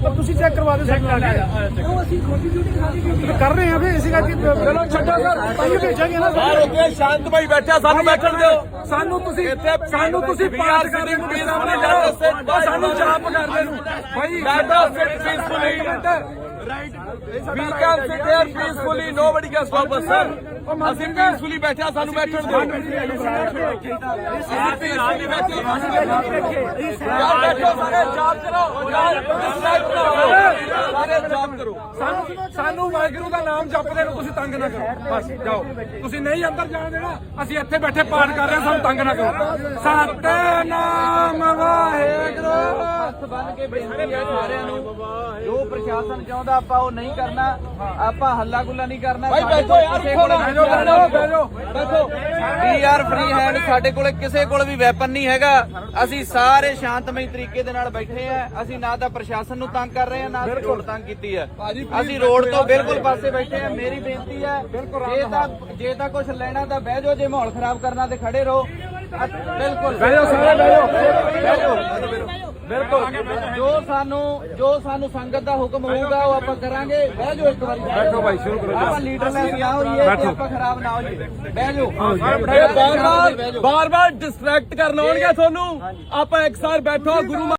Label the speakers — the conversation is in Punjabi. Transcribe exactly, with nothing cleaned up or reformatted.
Speaker 1: ਪਰ ਤੁਸੀਂ ਚੈੱਕ ਕਰਵਾ ਦਿਓ ਸਾਡੇ ਨਾਲ ਉਹ ਅਸੀਂ ਖੋਟੀ ਡਿਊਟੀ ਕਰ ਰਹੇ ਹਾਂ ਵੀ ਇਸੇ ਕਰਕੇ ਚਲੋ ਛੱਡੋ ਸਰ ਪਾਈ ਭੇਜਾਂਗੇ ਨਾ
Speaker 2: ਬਾਹਰ ਹੋ ਕੇ ਸ਼ਾਂਤ ਭਾਈ ਬੈਠਾ ਸਾਨੂੰ ਬੈਠਣ ਦਿਓ।
Speaker 1: ਸਾਨੂੰ ਤੁਸੀਂ ਸਾਨੂੰ ਤੁਸੀਂ ਪਾਸ ਕਰ ਰਹੇ ਹੋ ਸਾਨੂੰ ਚਾਪ ਕਰਦੇ ਨੂੰ ਭਾਈ
Speaker 2: Right. We can sit here peacefully. Nobody can stop us, sir. ਅਸੀਂ peacefully ਬੈਠੇ ਆ ਸਾਨੂੰ ਬੈਠਣ ਦਿਓ। ਅਸੀਂ peacefully ਬੈਠੇ ਯਾਰ ਬੈਠੋ ਸਾਰੇ ਜਾਪ ਕਰੋ ਸਾਰੇ ਜਾਪ ਕਰੋ।
Speaker 1: ਸਾਨੂੰ ਸਾਨੂੰ ਵਾਹਿਗੁਰੂ ਦਾ ਨਾਮ ਜਪਦੇ ਨੂੰ ਤੁਸੀਂ ਤੰਗ ਨਾ ਕਰੋ ਬਸ ਜਾਓ। ਤੁਸੀਂ ਨਹੀਂ ਅੰਦਰ ਜਾਣ ਦੇਣਾ ਅਸੀਂ ਇੱਥੇ ਬੈਠੇ ਪਾਠ ਕਰ ਰਹੇ ਹਾਂ ਸਾਨੂੰ ਤੰਗ ਨਾ ਕਰੋ। ਸਤਿਨਾਮ ਵਾਹਿਗੁਰੂ।
Speaker 3: ਹੱਥ ਬੰਨ ਕੇ ਬੇਨਤੀ ਹੈ ਸਾਰਿਆਂ ਨੂੰ ਜੋ ਪ੍ਰਸ਼ਾਸਨ ਚਾਹੁੰਦਾ ਆਪਾਂ ਉਹ ਨਹੀਂ ਕਰਨਾ ਆਪਾਂ ਹੱਲਾ ਗੁੱਲਾ ਨਹੀਂ ਕਰਨਾ।
Speaker 2: ਭਾਈ ਬੈਠੋ ਯਾਰ
Speaker 1: ਬੈਠੋ ਬੈਠੋ
Speaker 3: ਬੈਠੋ ਵੀ ਆਰ ਫ੍ਰੀ ਹੈਂਡ ਸਾਡੇ ਕੋਲੇ ਕਿਸੇ ਕੋਲ ਵੀ ਵੈਪਨ ਨਹੀਂ ਹੈਗਾ। ਅਸੀਂ ਸਾਰੇ ਸ਼ਾਂਤਮਈ ਤਰੀਕੇ ਦੇ ਨਾਲ ਬੈਠੇ ਆ। ਅਸੀਂ ਨਾ ਤਾਂ ਪ੍ਰਸ਼ਾਸਨ ਨੂੰ ਤੰਗ ਕਰ ਰਹੇ ਆ ਨਾ ਅਸੀਂ ਰੋਡ ਤੰਗ ਕੀਤੀ ਹੈ। ਅਸੀਂ ਰੋਡ ਤੋਂ ਬਿਲਕੁਲ ਪਾਸੇ ਬੈਠੇ ਆ। ਮੇਰੀ ਬੇਨਤੀ ਹੈ ਜੇ ਤਾਂ ਜੇ ਤਾਂ ਕੁਝ ਲੈਣਾ ਤਾਂ ਬਹਿ ਜਾਓ ਜੇ ਮਾਹੌਲ ਖਰਾਬ ਕਰਨਾ ਤੇ ਖੜੇ ਰਹੋ। ਬਿਲਕੁਲ
Speaker 1: ਬਹਿ ਜਾਓ ਸਾਰੇ ਬਹਿ ਜਾਓ
Speaker 3: ਬਿਲਕੁਲ ਜੋ ਸਾਨੂੰ ਜੋ ਸਾਨੂੰ ਸੰਗਤ ਦਾ ਹੁਕਮ ਹੋਊਗਾ ਉਹ ਆਪਾਂ ਕਰਾਂਗੇ। ਬਹਿ ਜਾਓ ਇੱਕ ਵਾਰੀ
Speaker 1: ਬੈਠੋ ਭਾਈ ਸ਼ੁਰੂ ਕਰੋ
Speaker 3: ਆਪਾਂ ਲੀਡਰ ਲੈ ਕੇ ਆਓ ਇਹ ਕਿ ਆਪਾਂ ਖਰਾਬ ਨਾ ਹੋ ਜਾਈਏ। ਬਹਿ ਜਾਓ
Speaker 2: ਬਾਰ ਬਾਰ ਬਾਰ ਬਾਰ ਡਿਸਟਰੈਕਟ ਕਰਨ ਆਉਣਗੇ ਤੁਹਾਨੂੰ। ਆਪਾਂ ਇੱਕ ਸਾਰ ਬੈਠੋ ਗੁਰੂ